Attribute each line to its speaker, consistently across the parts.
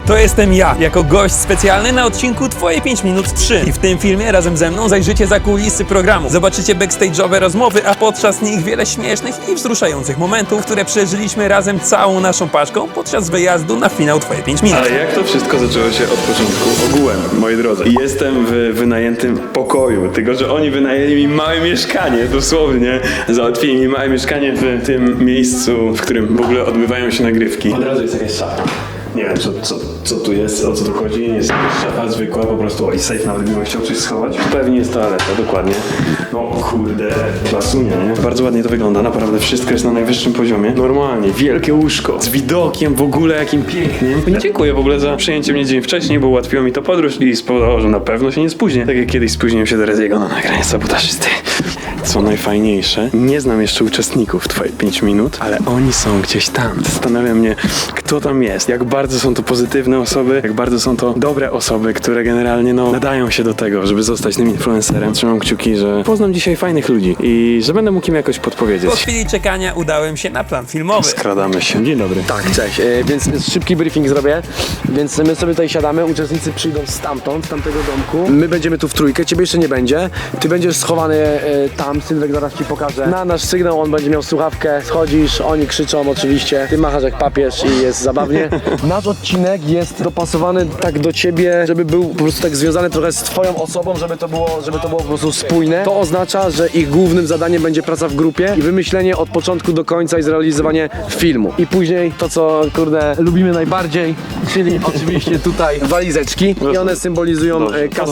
Speaker 1: To jestem ja, jako gość specjalny na odcinku Twoje 5 minut 3. I w tym filmie razem ze mną zajrzycie za kulisy programu. Zobaczycie backstage'owe rozmowy, a podczas nich wiele śmiesznych i wzruszających momentów, które przeżyliśmy razem całą naszą paczką podczas wyjazdu na finał Twoje 5 minut.
Speaker 2: Ale jak to wszystko zaczęło się od początku? Ogółem, moi drodzy. Jestem w wynajętym pokoju, tylko że oni wynajęli mi małe mieszkanie, dosłownie. Załatwili mi małe mieszkanie w tym miejscu, w którym w ogóle odbywają się nagrywki. Od razu jest jakaś szafa. Nie wiem, co tu jest, o co tu chodzi. Nie jest jakaś szafa zwykła, po prostu i safe, nawet gdybym chciał coś schować. Pewnie jest toaleta, dokładnie. No kurde, klasunia, nie? Bardzo ładnie to wygląda, naprawdę wszystko jest na najwyższym poziomie. Normalnie, wielkie łóżko, z widokiem w ogóle, jakim pięknym. Dziękuję w ogóle za przyjęcie mnie dzień wcześniej, bo ułatwiło mi to podróż i spowodowało, że na pewno się nie spóźnię. Tak jak kiedyś spóźniłem się do Reziego na nagranie sabotażysty. Co najfajniejsze, nie znam jeszcze uczestników Twoje 5 minut, ale oni są gdzieś tam. Zastanawia mnie, kto tam jest, jak bardzo są to pozytywne osoby, jak bardzo są to dobre osoby, które generalnie nadają się do tego, żeby zostać tym influencerem. Trzymam kciuki, że poznam dzisiaj fajnych ludzi i że będę mógł im jakoś podpowiedzieć.
Speaker 1: Po chwili czekania udałem się na plan filmowy.
Speaker 2: Skradamy się. Dzień dobry.
Speaker 3: Tak, cześć. Więc szybki briefing zrobię. Więc my sobie tutaj siadamy, uczestnicy przyjdą stamtąd, z tamtego domku. My będziemy tu w trójkę, ciebie jeszcze nie będzie. Ty będziesz schowany tam, Sylwek zaraz ci pokaże. Na nasz sygnał on będzie miał słuchawkę, schodzisz, oni krzyczą oczywiście. Ty machasz jak papież i jest zabawnie. Nasz odcinek jest dopasowany tak do ciebie, żeby był po prostu tak związany trochę z twoją osobą, żeby to było po prostu spójne. To oznacza, że ich głównym zadaniem będzie praca w grupie i wymyślenie od początku do końca i zrealizowanie filmu. I później to, co kurde lubimy najbardziej, czyli oczywiście tutaj walizeczki i one symbolizują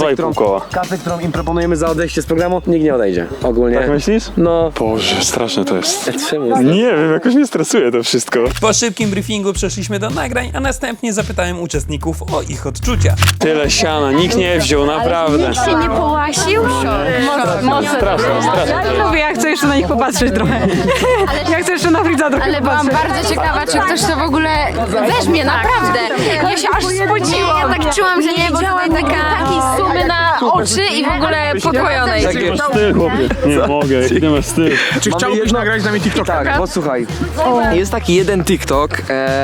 Speaker 3: kasę, którą im proponujemy za odejście z programu. Nikt nie odejdzie ogólnie.
Speaker 2: Tak myślisz?
Speaker 3: No.
Speaker 2: Boże, straszne to jest.
Speaker 3: Czemu?
Speaker 2: Nie wiem, jakoś mnie stresuje to wszystko.
Speaker 1: Po szybkim briefingu przeszliśmy do nagrań, a następnie zapytałem uczestników o ich odczucia.
Speaker 2: Tyle siana, nikt nie wziął, naprawdę.
Speaker 4: Nikt się nie połasił?
Speaker 2: Straszne.
Speaker 5: Lubię, ja chcę jeszcze na nich popatrzeć trochę. Ja chcę jeszcze na Fridza trochę
Speaker 4: Ale byłam
Speaker 5: popatrzeć.
Speaker 4: bardzo ciekawa, czy ktoś to w ogóle weźmie, naprawdę. Ja się aż spociłam. Ja tak czułam, że nie widziałam takiej sumy na oczy i w ogóle podwojonej.
Speaker 2: Jaki masz styl, chłopie? Nie mogę, jaki masz styl.
Speaker 6: Czy chciałbyś nagrać z nami TikToka?
Speaker 3: Tak, bo słuchaj, jest taki jeden TikTok,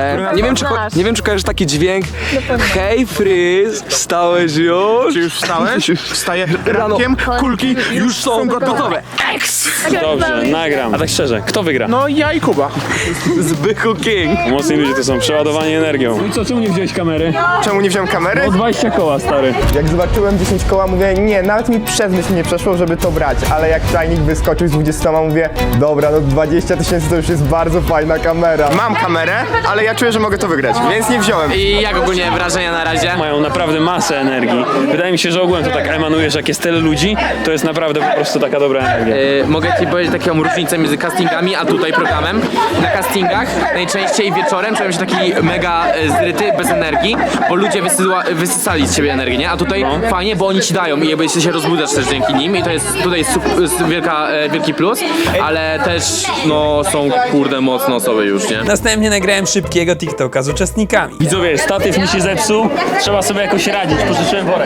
Speaker 3: nie wiem czy kojarzysz taki dźwięk. Hej Fryz, wstałeś już?
Speaker 6: Czy już wstałeś? Wstaję rankiem, kulki już są gotowe.
Speaker 2: Dobrze, nagram. A tak szczerze, kto wygra?
Speaker 6: No ja i Kuba.
Speaker 3: Zbychu King.
Speaker 2: Mocni ludzie to są, przeładowani energią. No i co, czemu nie wziąłeś kamery?
Speaker 6: Czemu nie wziąłem kamery?
Speaker 2: 20 koła, stary.
Speaker 7: Jak zobaczyłem 10 koła, mówię, nie, nawet mi przez myśl nie przeszło, żeby to brać, ale jak tajnik wyskoczył z 20, mówię, dobra, no 20 000 to już jest bardzo fajna kamera.
Speaker 6: Mam kamerę, ale ja czuję, że mogę to wygrać, więc nie wziąłem.
Speaker 8: I jak ogólnie wrażenia na razie?
Speaker 2: Mają naprawdę masę energii. Wydaje mi się, że ogółem to tak emanuje, że jak jest tyle ludzi, to jest naprawdę po prostu taka dobra energia.
Speaker 8: Mogę ci powiedzieć taką różnicę między castingami a tutaj programem. Na castingach najczęściej wieczorem czułem się taki mega zryty, bez energii, bo ludzie wysysali z siebie energię, nie? A tutaj fajnie, bo oni ci dają i jakby się rozbudzasz też dzięki nim i to jest tutaj jest wielki plus, ale też są kurde mocne osoby już, nie?
Speaker 1: Następnie nagrałem szybkiego TikToka z uczestnikami.
Speaker 2: Widzowie, statyw mi się zepsuł, trzeba sobie jakoś radzić, pożyczyłem worek.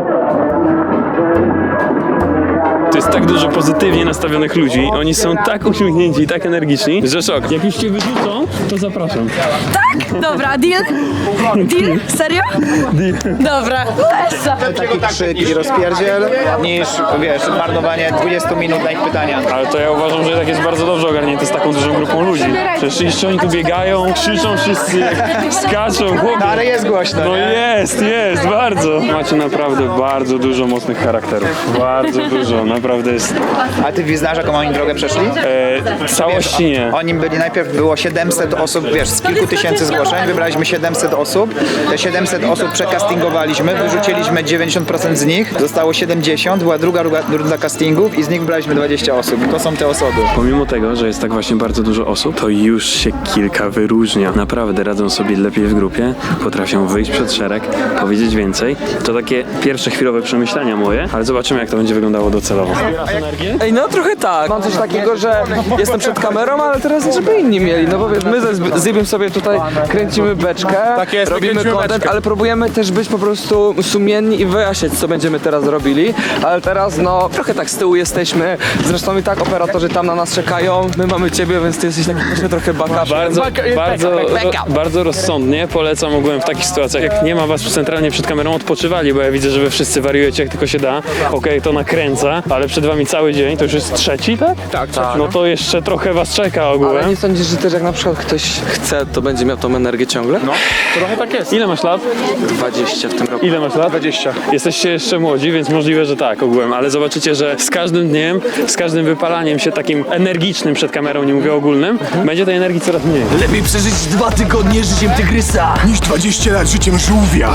Speaker 2: To jest tak dużo pozytywnie nastawionych ludzi, oni są tak uśmiechnięci i tak energiczni, że szok. Jak już cię wyrzucą, to zapraszam.
Speaker 5: Dobra, deal? Deal? Serio?
Speaker 2: Deal.
Speaker 5: Dobra.
Speaker 7: Taki krzyk i rozpierdziel, niż, wiesz, marnowanie 20 minut na ich pytania.
Speaker 2: Ale to ja uważam, że tak jest bardzo dobrze ogarnięte z taką dużą grupą ludzi. Przecież jeszcze oni tu biegają, krzyczą wszyscy, skaczą, chłopie.
Speaker 7: Ale jest głośno,
Speaker 2: No
Speaker 7: nie?
Speaker 2: jest, bardzo. Macie naprawdę bardzo dużo mocnych charakterów. Bardzo dużo, naprawdę jest.
Speaker 7: A ty znasz, jaką oni drogę przeszli?
Speaker 2: Całości nie.
Speaker 7: Oni byli, najpierw było 700 osób, wiesz, z kilku tysięcy zgłoszeń, wybraliśmy 700 osób. Te 700 osób przekastingowaliśmy, wyrzuciliśmy 90% z nich, zostało 70, była druga runda castingów i z nich wybraliśmy 20 osób. To są te osoby.
Speaker 2: Pomimo tego, że jest tak właśnie bardzo dużo osób, to już się kilka wyróżnia. Naprawdę radzą sobie lepiej w grupie, potrafią wyjść przed szereg, powiedzieć więcej. To takie pierwsze chwilowe przemyślenia moje, ale zobaczymy, jak to będzie wyglądało docelowo.
Speaker 9: Ej, no trochę tak. Mam coś takiego, że jestem przed kamerą, ale teraz żeby inni mieli. No bo wiesz, my z Zybiem sobie tutaj kręcimy beczkę, robimy content, ale próbujemy też być po prostu sumienni i wyjaśnić, co będziemy teraz robili. Ale teraz no trochę tak z tyłu jesteśmy. Zresztą i tak operatorzy tam na nas czekają. My mamy ciebie, więc ty jesteś taki trochę backup.
Speaker 1: Bardzo rozsądnie polecam ogółem w takich sytuacjach, jak nie ma was centralnie przed kamerą, odpoczywali, bo ja widzę, że wy wszyscy wariujecie jak tylko się da. Okej, to nakręca, ale przed wami cały dzień, to już jest trzeci, tak?
Speaker 9: Tak.
Speaker 1: No to jeszcze trochę was czeka ogółem.
Speaker 9: Ale nie sądzisz, że też jak na przykład ktoś chce, to będzie miał tą energię ciągle? No.
Speaker 1: Trochę tak jest. Ile masz lat?
Speaker 9: 20 w tym roku.
Speaker 1: Ile masz lat? 20. Jesteście jeszcze młodzi, więc możliwe, że tak ogółem, ale zobaczycie, że z każdym dniem, z każdym wypalaniem się takim energicznym przed kamerą, nie mówię ogólnym, będzie tej energii coraz mniej.
Speaker 10: Lepiej przeżyć 2 tygodnie życiem tygrysa
Speaker 6: Niż 20 lat życiem żółwia.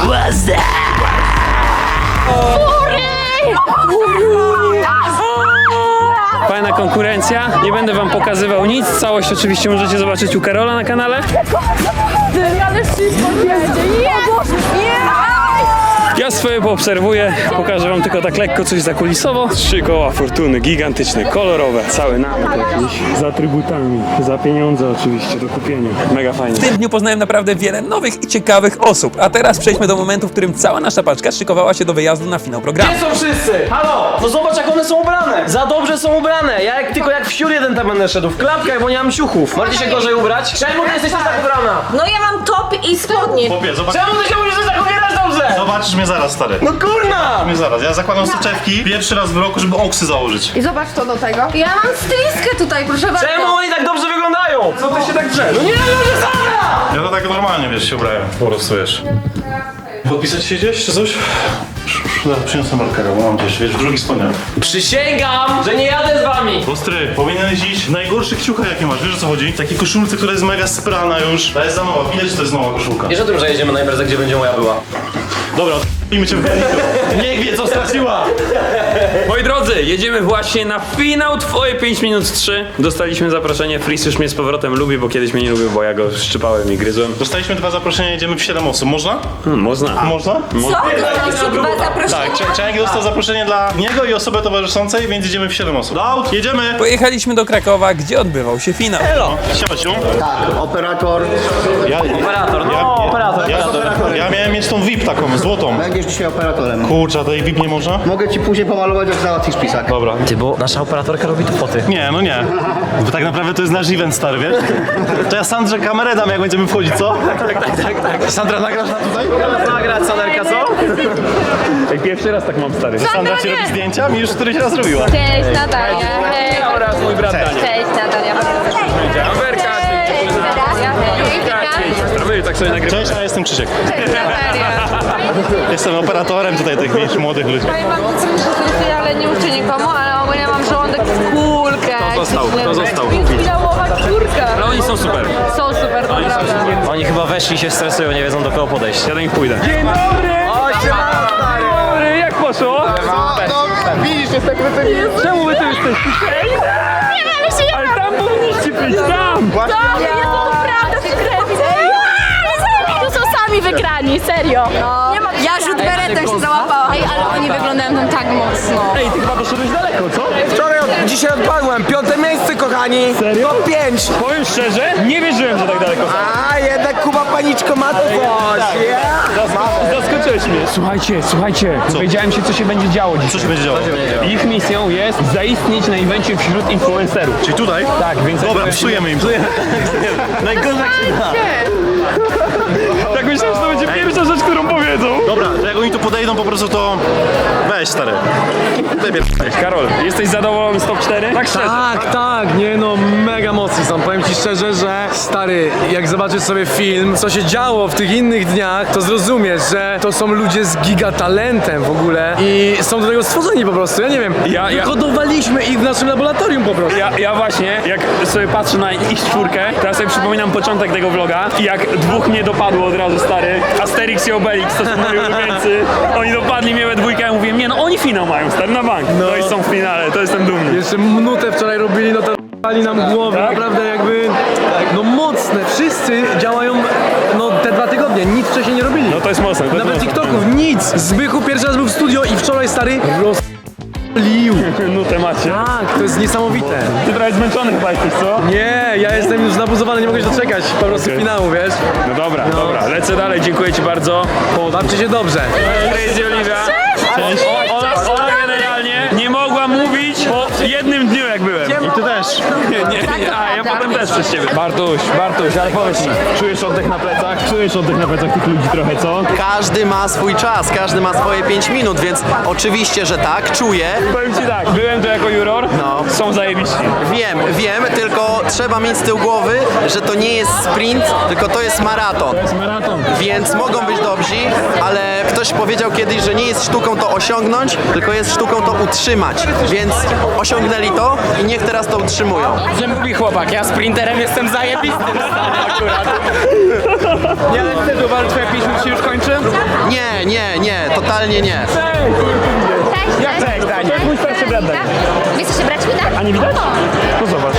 Speaker 1: Fajna konkurencja, nie będę wam pokazywał nic, całość oczywiście możecie zobaczyć u Karola na kanale. Ja swoje poobserwuję, pokażę wam tylko tak lekko coś zakulisowo. 3 koła fortuny, gigantyczne, kolorowe, cały namiot jakiś, z atrybutami, za pieniądze oczywiście do kupienia. Mega fajnie. W tym dniu poznałem naprawdę wiele nowych i ciekawych osób, a teraz przejdźmy do momentu, w którym cała nasza paczka szykowała się do wyjazdu na finał programu.
Speaker 11: Gdzie są wszyscy? Halo! No zobacz jak one są ubrane! Za dobrze są ubrane! Ja tylko jak wsiur jeden tam będę szedł, w klapkach, bo nie mam ciuchów. Możecie się gorzej ubrać? Czemu ty jesteś tak ubrana?
Speaker 4: No ja mam top i spodnie.
Speaker 11: Czemu ty się musisz tak ubierać dobrze?
Speaker 6: Zobaczysz mnie zaraz, stary.
Speaker 11: No kurna!
Speaker 6: Mnie zaraz. Ja zakładam soczewki pierwszy raz w roku, żeby oksy założyć.
Speaker 4: I zobacz to do tego. Ja mam stylistkę tutaj, proszę bardzo.
Speaker 11: Czemu oni tak dobrze wyglądają? Co ty się tak drze? No nie, może Sara!
Speaker 6: Ja to tak normalnie, wiesz, się ubrałem. Po prostu, wiesz. Podpisać się gdzieś, czy coś? Zaraz przyniosę markera, bo mam gdzieś, wiesz, w drugi spodniach.
Speaker 11: Przysięgam, że nie jadę z wami!
Speaker 6: Ostry, powinieneś iść w najgorszych ciuchach, jakie masz, wiesz o co chodzi? W takiej koszulce, która jest mega sprana już. Ta jest za nowa, widać, że to jest nowa koszulka.
Speaker 11: Wiesz o tym, że jedziemy na imprezę, gdzie będzie moja była?
Speaker 6: Dobra, i cię w graniku. Niech wie, co straciła!
Speaker 1: Moi drodzy, jedziemy właśnie na finał Twoje 5 minut 3. Dostaliśmy zaproszenie, Fris już mnie z powrotem lubi, bo kiedyś mnie nie lubił, bo ja go szczypałem i gryzłem.
Speaker 6: Dostaliśmy 2 zaproszenia, jedziemy w 7 osób. Można?
Speaker 1: Można.
Speaker 6: Można?
Speaker 4: Co? Dostaliście 2 zaproszenia?
Speaker 6: Tak, Czajnik dostał zaproszenie dla niego i osoby towarzyszącej, więc jedziemy w 7 osób. Out, jedziemy!
Speaker 1: Pojechaliśmy do Krakowa, gdzie odbywał się finał.
Speaker 6: Siema, siu.
Speaker 7: Operator.
Speaker 6: Ja miałem mieć tą VIP taką, złotą.
Speaker 7: Będziesz dzisiaj operatorem.
Speaker 6: Kurczę, a tej VIP nie można?
Speaker 7: Mogę ci później pomalować, jak załatwisz pisak.
Speaker 6: Dobra.
Speaker 11: Ty, bo nasza operatorka robi tu foty.
Speaker 6: Nie, no nie. Bo tak naprawdę to jest nasz event, stary, wiesz? To ja Sandrze kamerę dam, jak będziemy wchodzić, co? Tak. Sandra, nagrasz na tutaj?
Speaker 11: Nagrać Sanerka, co?
Speaker 1: Ej, pierwszy raz tak mam, stary.
Speaker 6: Sandra ci robi zdjęcia? Mi już któryś raz robiła.
Speaker 4: Cześć Natalia. Hej.
Speaker 1: Oraz mój brat Daniel.
Speaker 4: Cześć Natalia.
Speaker 1: Amerka,
Speaker 4: Cześć Natalia. Hej.
Speaker 1: tak sobie nagrywamy.
Speaker 6: Cześć, a jestem Krzysiek.
Speaker 4: Cześć Natalia.
Speaker 6: Jestem operatorem tutaj tych wiesz, młodych ludzi.
Speaker 4: Powiem wam, co mi się ale nie uczę nikomu, ale ogólnie mam żołądek w kulkę.
Speaker 1: Kto został?
Speaker 4: Finałowa czwórka.
Speaker 1: Ale oni są super.
Speaker 4: Są super, naprawdę.
Speaker 11: Oni chyba weszli, się stresują, nie wiedzą do kogo podejść.
Speaker 1: Ja do nich pójdę. Dzień dobry! Dzień dobry, jak poszło?
Speaker 7: Widzisz, jest tak wypełniony.
Speaker 1: Czemu wy tu jesteście? Ale tam powinniście być, tam!
Speaker 4: Jest to prawda, się krew. Tu są sami wygrani, serio. Ja rzut beretem się załapałam. Ej, ale oni wyglądają tam tak mocno.
Speaker 1: Ej, ty chyba doszedłeś daleko, co?
Speaker 9: Dzisiaj odpadłem, 5. miejsce, kochani.
Speaker 1: Serio?
Speaker 9: Top 5.
Speaker 1: Powiem szczerze, nie wierzyłem, że tak daleko.
Speaker 9: A, jednak Kuba Paniczko ma coś.
Speaker 1: Zaskoczyłeś mnie. Słuchajcie, dowiedziałem się, co się będzie działo dzisiaj.
Speaker 6: Co się będzie działo?
Speaker 1: Ich misją jest zaistnieć na evencie wśród influencerów.
Speaker 6: Czyli tutaj?
Speaker 1: Tak, więc...
Speaker 6: Dobra, psujemy im. Najgorzej jak się da.
Speaker 1: Tak myślałem, że to będzie pierwsza rzecz, którą powiedzą.
Speaker 6: Dobra, to jak oni tu podejdą po prostu, to weź, stary.
Speaker 1: Karol, jesteś zadowolony z top 4? Tak szczerze.
Speaker 3: Tak, nie no, mega mocni są. Powiem ci szczerze, że stary, jak zobaczysz sobie film, co się działo w tych innych dniach, to zrozumiesz, że to są ludzie z gigatalentem w ogóle i są do tego stworzeni po prostu, ja nie wiem. Hodowaliśmy ich w naszym laboratorium po prostu.
Speaker 1: Ja właśnie, jak sobie patrzę na ich czwórkę, teraz sobie przypominam początek tego vloga i jak dwóch mnie dopadło od razu, stary. Asterix i Obelix, to są moi ulubieńcy. Oni dopadli mnie we dwójkę, ja mówiłem, nie no, oni finał mają, stary, na bank. No i są w finale, to jestem dumny.
Speaker 3: Jeszcze minutę wczoraj robili, no to pali nam głowy,
Speaker 1: Tak?
Speaker 3: naprawdę jakby, no mocne, wszyscy działają, no te 2 tygodnie, nic wcześniej nie robili.
Speaker 1: No to jest mocne, to jest
Speaker 3: Nawet
Speaker 1: mocne.
Speaker 3: TikToków, nic. Zbychu pierwszy raz był w studio i wczoraj, stary, rozlił.
Speaker 1: Nutę
Speaker 2: się?
Speaker 3: Tak, to jest niesamowite.
Speaker 2: Ty trochę zmęczony chyba jesteś, co?
Speaker 3: Nie, ja jestem już nabuzowany, nie mogę się doczekać po prostu finału, wiesz?
Speaker 2: No dobra, lecę dalej, dziękuję ci bardzo.
Speaker 3: Bawcie się dobrze.
Speaker 2: Crazy Oliwia. Cześć. Ona generalnie nie mogła mówić po jednym dniu jak byłem.
Speaker 6: I ty też.
Speaker 2: Nie, a ja potem też przez ciebie. Bartuś, ale powiedz mi, czujesz oddech na plecach? Czujesz oddech na plecach tych ludzi trochę, co?
Speaker 12: Każdy ma swój czas, każdy ma swoje 5 minut, więc oczywiście, że tak, czuję.
Speaker 2: Powiem ci tak, byłem tu jako juror, są zajebiści.
Speaker 12: Wiem, tylko trzeba mieć z tyłu głowy, że to nie jest sprint, tylko to jest maraton.
Speaker 2: To jest maraton.
Speaker 12: Więc mogą być dobrzy, ale ktoś powiedział kiedyś, że nie jest sztuką to osiągnąć, tylko jest sztuką to utrzymać. Więc osiągnęli to i niech teraz to utrzymują.
Speaker 8: Że mówi chłopak, ja sprinterem jestem zajebistym akurat.
Speaker 9: Nie, ale wtedy uważasz, że twoje 5 minut się już kończy?
Speaker 12: Nie, totalnie nie.
Speaker 2: Jak cześć, Dani? Mój starszy brat Dani.
Speaker 4: Wy jesteście braćmi, tak?
Speaker 2: A nie widać? No zobacz.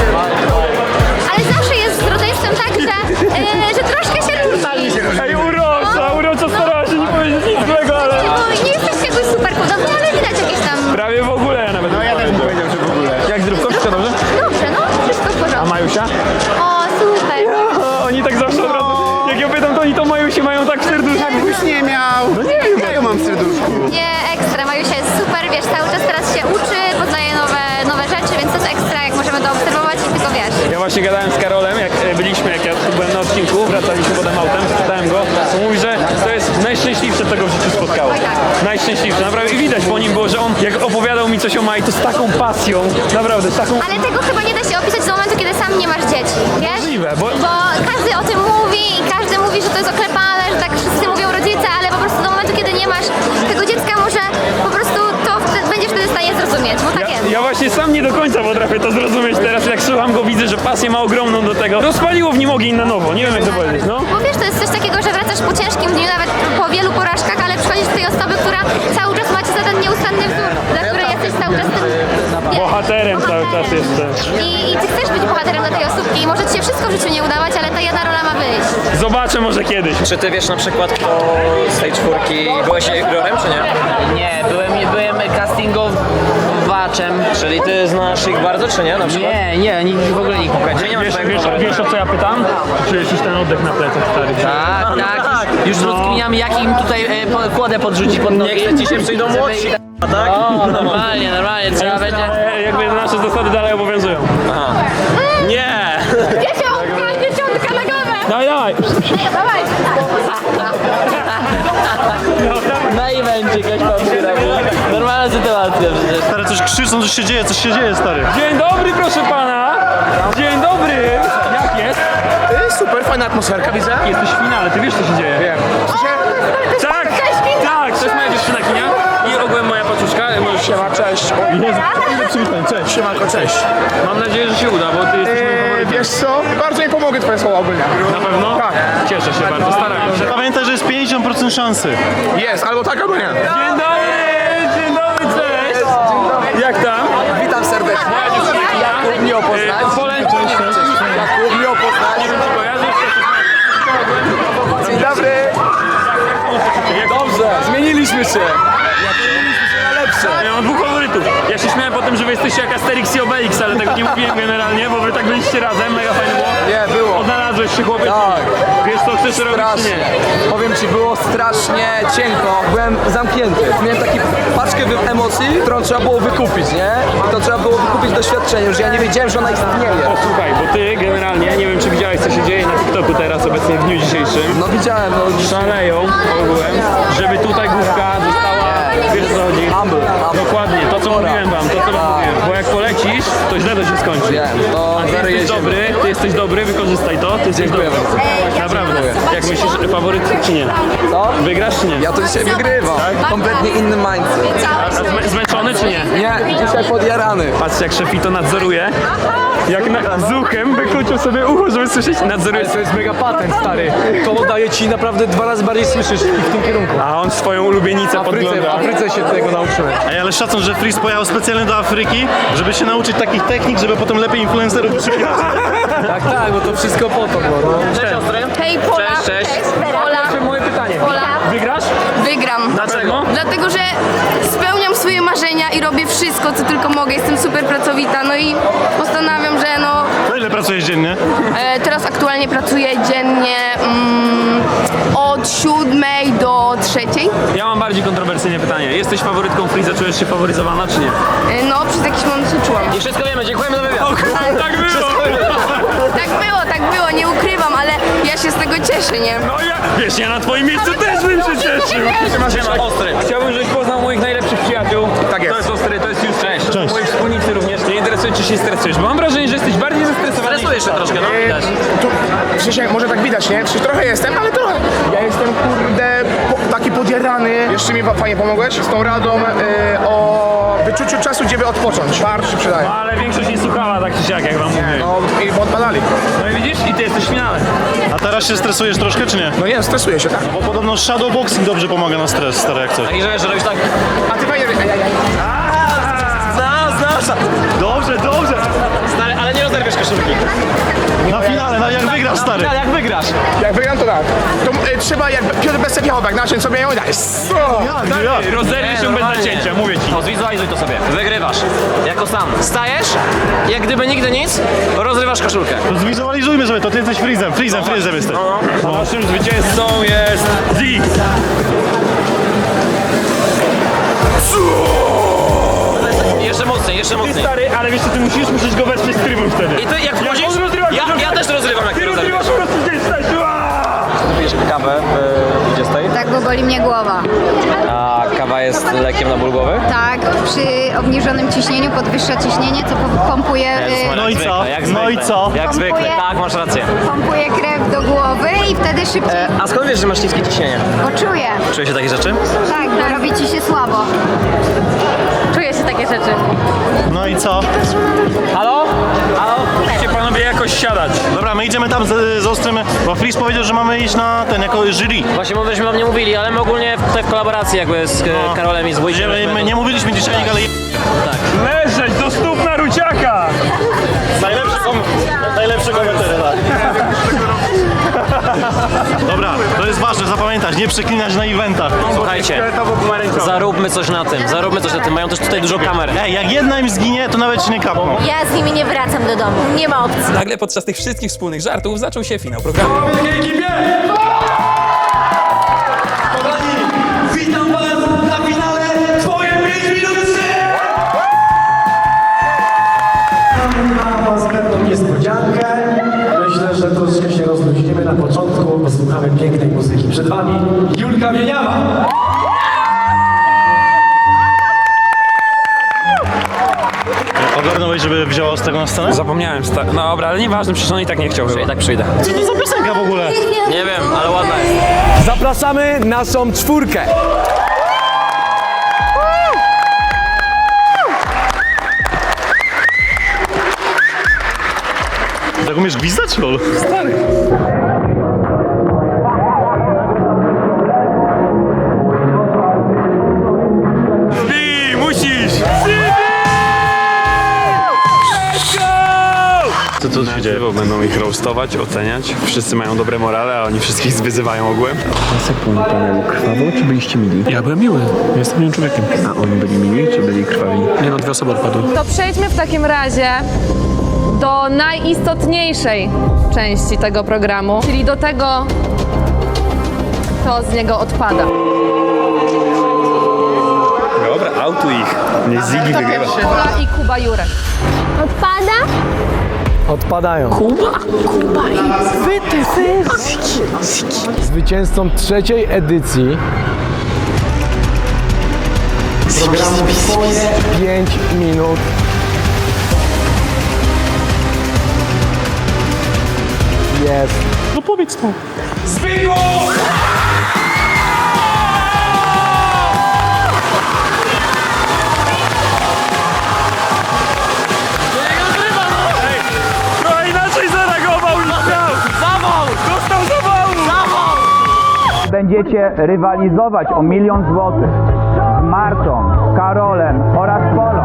Speaker 4: Ale zawsze jest z rodzeństwem tak, że troszkę się różni.
Speaker 2: Ej, urocza starała się nie powiedzieć nic złego, ale...
Speaker 4: Bo nie jesteście jakoś super podobni, ale widać jakieś tam...
Speaker 2: Prawie w ogóle ja nawet. No ja też bym powiedział, że w ogóle. Jak zdrówko? Wszystko dobrze?
Speaker 4: Dobrze, no, wszystko w
Speaker 2: A
Speaker 4: porządku.
Speaker 2: Majusia?
Speaker 4: O, super.
Speaker 2: Oni tak zawsze od razu, jak ja pytam, to oni to Majusi mają tak w serduszku.
Speaker 7: Już nie miał. No nie wiem, ja ją mam w serduszku.
Speaker 4: Nie, ekstra. Majusia jest super, wiesz, cały czas teraz się uczy, poznaje nowe rzeczy, więc to jest ekstra, jak możemy to obserwować i tylko wiesz.
Speaker 2: Ja właśnie gadałem z Karolem, jak ja tu byłem na odcinku, wracaliśmy potem autem, spytałem go, to mówi, że to jest najszczęśliwsze, co go w życiu spotkało.
Speaker 4: Oj, tak.
Speaker 2: Najszczęśliwsze, naprawdę. I widać po nim było, że on jak opowiadał mi coś o Mai, to z taką pasją, naprawdę, z taką...
Speaker 4: Ale tego chyba nie da się opisać do momentu, kiedy sam nie masz dzieci, wiesz?
Speaker 2: Możliwe, bo-
Speaker 4: Bo każdy o tym mówi i każdy mówi, że to jest oklepane, że tak wszyscy mówią rodzice, ale po prostu do momentu, kiedy nie masz tego dziecka, może po prostu to będziesz wtedy w stanie zrozumieć, bo tak jest.
Speaker 2: Ja właśnie sam nie do końca potrafię to zrozumieć teraz, jak słucham go, widzę, że pasję ma ogromną do tego. Rozpaliło w nim ogień na nowo, nie wiem jak to powiedzieć, no.
Speaker 4: Bo wiesz, to jest coś takiego, że wracasz po ciężkim dniu, nawet po wielu porażkach, ale przychodzisz do tej osoby, która cały czas macie za ten nieustanny wzór, za który jesteś cały czas tym...
Speaker 2: Bohaterem cały czas jestem.
Speaker 4: I ty chcesz być bohaterem dla tej osóbki i może ci się wszystko w życiu nie udawać, ale ta jedna rola ma wyjść.
Speaker 2: Zobaczę może kiedyś.
Speaker 11: Czy ty wiesz na przykład, kto z tej czwórki byłeś jurorem, czy nie?
Speaker 8: Nie, byłem castingowaczem.
Speaker 11: Czyli ty znasz ich bardzo, czy nie? Na przykład?
Speaker 8: Nie, w ogóle nikt nie kojarzy.
Speaker 2: Wiesz o co ja pytam? Czujesz już ten oddech na plecach, stary?
Speaker 8: Tak. Już rozkminiamy, jak im tutaj kłodę podrzucić pod nogi.
Speaker 11: Nie chce ci się przyjdą młodsi, tak?
Speaker 8: O, normalnie, trzeba będzie...
Speaker 2: Ale jakby nasze zasady dalej obowiązują.
Speaker 11: Nie!
Speaker 4: Dziesiątka na głowę!
Speaker 2: Daj!
Speaker 4: Dawaj!
Speaker 8: Na evencie ktoś tam robi. Normalna sytuacja przecież.
Speaker 6: Stary, coś krzyczą, coś się dzieje, stary.
Speaker 2: Dzień dobry, proszę pana! Dzień dobry! Jak jest?
Speaker 9: Super, fajna atmosferka, widzę.
Speaker 2: Jesteś w finale, ty wiesz co się dzieje? Wiem. Tak, to jest moja dziewczyna Kinia i ogółem moja paczuszka. Możesz się...
Speaker 9: Cześć.
Speaker 2: Cześć.
Speaker 9: Siemanko, cześć.
Speaker 2: Mam nadzieję, że się uda, bo ty jesteś moim faworytem.
Speaker 9: Wiesz co? Bardzo mi pomogę twoje słowa ogólnie.
Speaker 2: Na pewno? Tak. Cieszę się bardzo, staram się.
Speaker 6: Pamiętaj, że jest 50% szansy.
Speaker 9: Jest, albo tak, albo nie.
Speaker 2: Dzień dobry, cześć! Jak tam?
Speaker 3: Witam serdecznie.
Speaker 2: Moja dziewczyna Kinia.
Speaker 3: Jakub miło poznać.
Speaker 2: Polęcz, cześć.
Speaker 3: Jakub miło poznać.
Speaker 2: Nie wiem, czy kojarzysz?
Speaker 3: Dzień dobry. Dobrze, zmieniliśmy się.
Speaker 2: Ja mam dwóch faworytów. Ja się śmiałem po tym, że wy jesteście jak Asterix i Obelix, ale tego nie mówiłem generalnie, bo wy tak byliście razem, mega fajnie było.
Speaker 3: Nie, było.
Speaker 2: Odnalazłeś się chłopiec.
Speaker 3: Tak.
Speaker 2: Wiesz co chcesz robić czy
Speaker 3: Strasznie.
Speaker 2: nie?
Speaker 3: Powiem ci, było strasznie cienko. Byłem zamknięty. Miałem taki paczkę emocji, którą trzeba było wykupić, nie? I to trzeba było wykupić doświadczeniem, że ja nie wiedziałem, że ona istnieje.
Speaker 2: Posłuchaj, bo ty generalnie, nie wiem czy widziałeś co się dzieje na TikToku teraz, obecnie w dniu dzisiejszym.
Speaker 3: No widziałem, no.
Speaker 2: Szaleją ogółem, żeby tutaj główka została, wiesz co chodzi?
Speaker 3: Humble.
Speaker 2: Dokładnie, to co mówiłem wam, bo jak polecisz, to źle to się skończy.
Speaker 3: Wiem, to
Speaker 2: A ty jesteś dobry, wykorzystaj to, ty jesteś
Speaker 3: Dziękuję
Speaker 2: dobry.
Speaker 3: bardzo.
Speaker 2: Naprawdę. Jak myślisz, faworyt czy nie?
Speaker 3: Co?
Speaker 2: Wygrasz czy nie?
Speaker 3: Ja to dzisiaj wygrywam. Kompletnie inny mindset.
Speaker 2: A zmęczony czy nie?
Speaker 3: Nie, dzisiaj podjarany.
Speaker 2: Patrzcie jak szefito nadzoruje. Jak z uchem wykluczył sobie ucho, żeby słyszeć, nadzoruje.
Speaker 3: To jest mega patent, stary. To daje ci naprawdę 2 razy bardziej słyszysz w tym kierunku.
Speaker 2: A on swoją ulubienicę
Speaker 3: W
Speaker 2: podgląda.
Speaker 3: Afryce się tego nauczyłem.
Speaker 6: Ej, ale szacun, że Freeze pojechał specjalnie do Afryki, żeby się nauczyć takich technik, żeby potem lepiej influencerów przyjąć.
Speaker 3: Tak, bo to wszystko po to było. No.
Speaker 11: Cześć siostry.
Speaker 4: Hej, Pola!
Speaker 11: Cześć.
Speaker 4: Pola!
Speaker 2: Moje pytanie.
Speaker 4: Pola!
Speaker 2: Wygrasz?
Speaker 4: Wygram.
Speaker 11: Dlaczego?
Speaker 4: dlatego że spełniam swoje marzenia i robię wszystko, co tylko mogę. Jestem super pracowita, no i postanawiam, że no...
Speaker 6: No ile pracujesz dziennie?
Speaker 4: Teraz aktualnie pracuję dziennie od 7 do 3.
Speaker 1: Ja mam bardziej kontrowersyjne pytanie. Jesteś faworytką Freeza, czujesz się faworyzowana, czy nie?
Speaker 4: No, przez jakiś moment się czułam.
Speaker 11: I wszystko wiemy, dziękujemy za wywiad.
Speaker 1: Tak było!
Speaker 4: Tak było, nie ukrywam, ale ja się z tego cieszę, nie?
Speaker 1: No ja, wiesz, ja na twoim miejscu też bym się cieszył.
Speaker 11: Siema, Ostry.
Speaker 1: Chciałbym, żebyś poznał moich najlepszych przyjaciół.
Speaker 3: Tak jest.
Speaker 1: To jest Ostry, to jest już
Speaker 6: Cześć.
Speaker 1: moi wspólnicy również. Nie interesuje, czy się stresujesz, bo mam wrażenie, że jesteś bardziej zestresowany.
Speaker 11: Stresujesz się troszkę, no widać.
Speaker 13: W sensie, może tak widać, nie? Przecież trochę jestem, ale trochę. Ja jestem, kurde, taki podjarany. Jeszcze mi fajnie pomogłeś z tą radą o wyczuciu czasu, gdzie by odpocząć. Bardzo się przydaje.
Speaker 1: No, ale większość nie słuchała tak czy siak, jak wam mówię.
Speaker 13: No i odpadali.
Speaker 1: No i widzisz? I ty jesteś w finale.
Speaker 6: A teraz się stresujesz troszkę, czy nie?
Speaker 13: No nie, stresuję się, tak.
Speaker 6: Bo podobno shadowboxing dobrze pomaga na stres, stary, jak coś.
Speaker 11: Taki, że wiesz, że robisz tak...
Speaker 13: A ty fajnie...
Speaker 11: Znasz!
Speaker 6: Dobrze!
Speaker 11: Stary, ale nie rozerwiesz koszulki.
Speaker 6: Na finale, jak wygrasz, stary.
Speaker 11: Jak wygrasz?
Speaker 13: Jak wygram, to tak. To trzeba, jak Piotr Besek jechał, jak naciąć sobie ją i daj.
Speaker 6: Jak?
Speaker 1: Rozerwij się bez
Speaker 11: normalnie.
Speaker 1: nacięcia, mówię ci.
Speaker 11: No, zwizualizuj to sobie. Wygrywasz. Jako sam. Stajesz, jak gdyby nigdy nic, rozrywasz koszulkę.
Speaker 6: To zwizualizujmy sobie, to ty jesteś Freezem jesteś.
Speaker 1: A naszym zwycięzcą jest Zig.
Speaker 11: Jeszcze mocniej.
Speaker 1: Stary, ale wiesz co, ty musisz go wesprzeć z trybun wtedy.
Speaker 11: I ty jak wchodzisz,
Speaker 1: on rozrywa
Speaker 11: ja też rozrywam, jak ty rozrywasz.
Speaker 1: po prostu gdzieś stać.
Speaker 11: Pijesz kawę w 20?
Speaker 4: Tak, bo boli mnie głowa.
Speaker 11: A kawa jest lekiem na ból głowy?
Speaker 4: Tak, przy obniżonym ciśnieniu podwyższa ciśnienie, co pompuje,
Speaker 6: No i co? No i co?
Speaker 11: Jak zwykle,
Speaker 4: Pompuje.
Speaker 11: tak, masz rację.
Speaker 4: pompuje krew do głowy i wtedy szybciej
Speaker 11: A skąd wiesz, że masz niskie ciśnienie?
Speaker 4: poczuję.
Speaker 11: Czuje się takie rzeczy?
Speaker 4: Tak, bo robi ci się słabo. Czuję się takie rzeczy.
Speaker 6: No i co?
Speaker 11: Halo?
Speaker 1: Musicie panowie jakoś siadać.
Speaker 6: Dobra, my idziemy tam z Ostrym, bo Freeze powiedział, że mamy iść na ten, jako jury.
Speaker 11: Właśnie myśmy wam nie mówili, ale my ogólnie tutaj w kolaboracji jakby z Karolem i z Wójciem.
Speaker 6: My nie mówiliśmy dzisiaj, ale...
Speaker 1: Leżeć do stóp na ruciaka!
Speaker 6: Najlepszy komentarz, tak. Dobra, to jest ważne, zapamiętać, nie przeklinać na eventach.
Speaker 11: Słuchajcie, zaróbmy coś na tym, mają też tutaj dużo kamer.
Speaker 6: Ej, jak jedna im zginie, to nawet się nie kapną.
Speaker 4: Ja z nimi nie wracam do domu. Nie ma opcji.
Speaker 1: Nagle podczas tych wszystkich wspólnych żartów zaczął się finał programu.
Speaker 10: Witam was na finale Twoje 5 minut 3! Mam was pewną niespodziankę. Myślę, że troszkę się rozluźnimy na początku, posłuchamy pięknej muzyki. Przed wami Julka Wieniawa.
Speaker 6: Ogarnąłeś, żeby wzięła z tego na scenę?
Speaker 1: Zapomniałem, no dobra, ale nieważne, przecież on i tak nie chciał chyba.
Speaker 11: I tak przyjdę.
Speaker 6: Co to za piosenka w ogóle?
Speaker 11: Nie wiem, ale ładna jest.
Speaker 3: Zapraszamy naszą czwórkę.
Speaker 6: Tak umiesz gwizdać, lol?
Speaker 3: Stary.
Speaker 1: Zbi, musisz!
Speaker 6: Co tu się dzieje?
Speaker 2: Będą ich roastować, oceniać. Wszyscy mają dobre morale, a oni wszystkich wyzywają ogółem.
Speaker 3: panelu krwawo, czy byliście mili?
Speaker 9: Ja byłem miły, jestem miłym człowiekiem.
Speaker 3: A oni byli mili, czy byli krwawi?
Speaker 9: Nie no, 2 osoby odpadły.
Speaker 5: To przejdźmy w takim razie do najistotniejszej części tego programu, czyli do tego, co z niego odpada.
Speaker 2: Dobra, autuj ich. Niech Ziggy wygrywa.
Speaker 5: Kuba i Kuba Jurek.
Speaker 4: Odpada?
Speaker 3: Odpadają. Kuba i zwycięzcą trzeciej edycji programu Twoje 5 minut jest.
Speaker 6: No powiedz to.
Speaker 10: Zbyku!
Speaker 1: Trochę inaczej zareagował niż miał!
Speaker 11: Zawał!
Speaker 1: Dostał zawału!
Speaker 7: Będziecie rywalizować o 1 000 000 złotych z Martą, Karolem oraz Polą.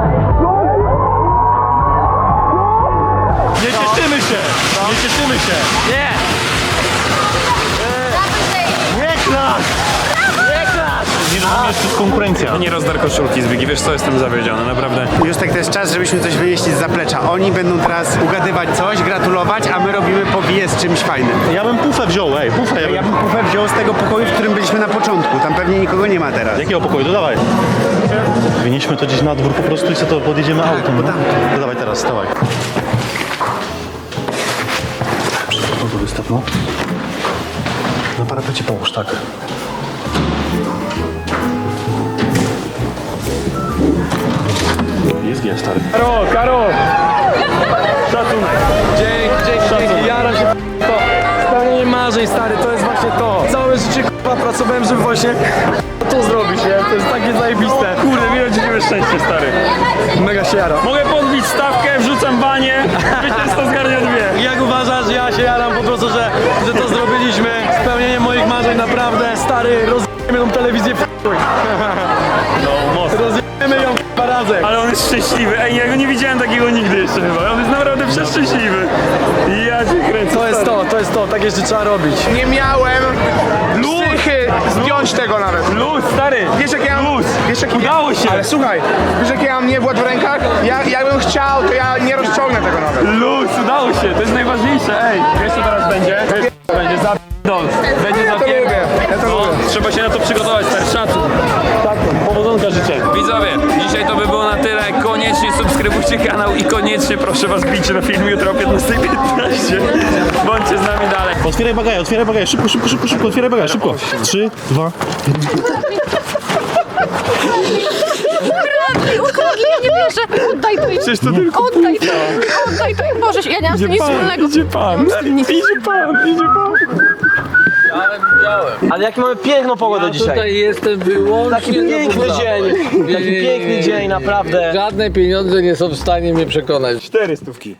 Speaker 6: Nie cieszymy się! Nie cieszymy się!
Speaker 11: Nie!
Speaker 6: Nie klasz!
Speaker 11: Nie klasz!
Speaker 6: Musisz rozumieć, to jest konkurencja.
Speaker 2: Nie rozdar koszulki z Bigi, wiesz co, jestem zawiedziony, naprawdę.
Speaker 14: Justek, to jest czas, żebyśmy coś wynieśli z zaplecza. Oni będą teraz ugadywać coś, gratulować, a my robimy powiję z czymś fajnym.
Speaker 6: Ja bym pufę wziął, pufę.
Speaker 14: Ja bym pufę wziął z tego pokoju, w którym byliśmy na początku. Tam pewnie nikogo nie ma teraz.
Speaker 6: Jakiego pokoju? To dawaj. Wynieśmy to gdzieś na dwór po prostu i sobie to podjedziemy autem. No. To dawaj teraz, dawaj. No to wystaw, no. Na parapecie połóż, tak. Jest G, stary.
Speaker 3: Karol! Szacunek. Dzięki, jaram się to. Spełnienie marzeń, stary, to jest właśnie to. Całe życie k***a pracowałem, żeby właśnie to zrobić, nie? To jest takie zajebiste.
Speaker 2: Kurde, miło ci szczęście, stary.
Speaker 3: Mega się jaram.
Speaker 2: Mogę podbić stawkę, wrzucam banie, zwycięzca zgarnia 2.
Speaker 3: Jak uważasz, ja się jaram po prostu, że to zrobiliśmy. Spełnienie moich marzeń, naprawdę. Stary, rozjemy tą telewizję w chuj.
Speaker 2: No, mocno.
Speaker 3: Rozjemy ją k***a razem.
Speaker 2: Ale on jest szczęśliwy. Ej, ja go nie widziałem takiego nigdy jeszcze chyba. On jest naprawdę przeszczęśliwy. Ja cię kręcę.
Speaker 3: To jest to, tak jeszcze trzeba robić.
Speaker 13: Nie miałem psychy zdjąć tego nawet.
Speaker 2: Luz, stary.
Speaker 13: Wiesz jak ja mam... Wiesz, jak
Speaker 2: Udało się.
Speaker 13: Ale słuchaj, wiesz jak ja mam niewład w rękach? Jakbym chciał, to ja nie rozciągnę tego nawet.
Speaker 2: Luz, udało się. To jest najważniejsze. Ej, wiesz co teraz będzie? Będzie zapierdol. Będzie zapierdol.
Speaker 13: Ja to lubię.
Speaker 2: Trzeba się na to przygotować, stary. Szacun. Powodzonka życzę. Widzowie, dzisiaj to by było na tyle. Koniecznie subskrybujcie kanał i koniecznie proszę was bijcie na film jutro o 15:15. Bądźcie z nami dalej.
Speaker 6: Otwieraj bagaż, szybko, otwieraj bagaż, szybko. 3, 2,
Speaker 5: Ukradli, ja nie wierzę. Oddaj to im.
Speaker 2: Przecież to tylko
Speaker 5: Oddaj to im. Boże, ja nie mam z tym nic wspólnego.
Speaker 2: Idzie pan.
Speaker 11: Ale jaki mamy piękną pogodę dzisiaj.
Speaker 9: Tutaj jestem wyłącznie
Speaker 11: Taki piękny dzień. Taki piękny dzień, naprawdę.
Speaker 9: Żadne pieniądze nie są w stanie mnie przekonać.
Speaker 2: 4 stówki.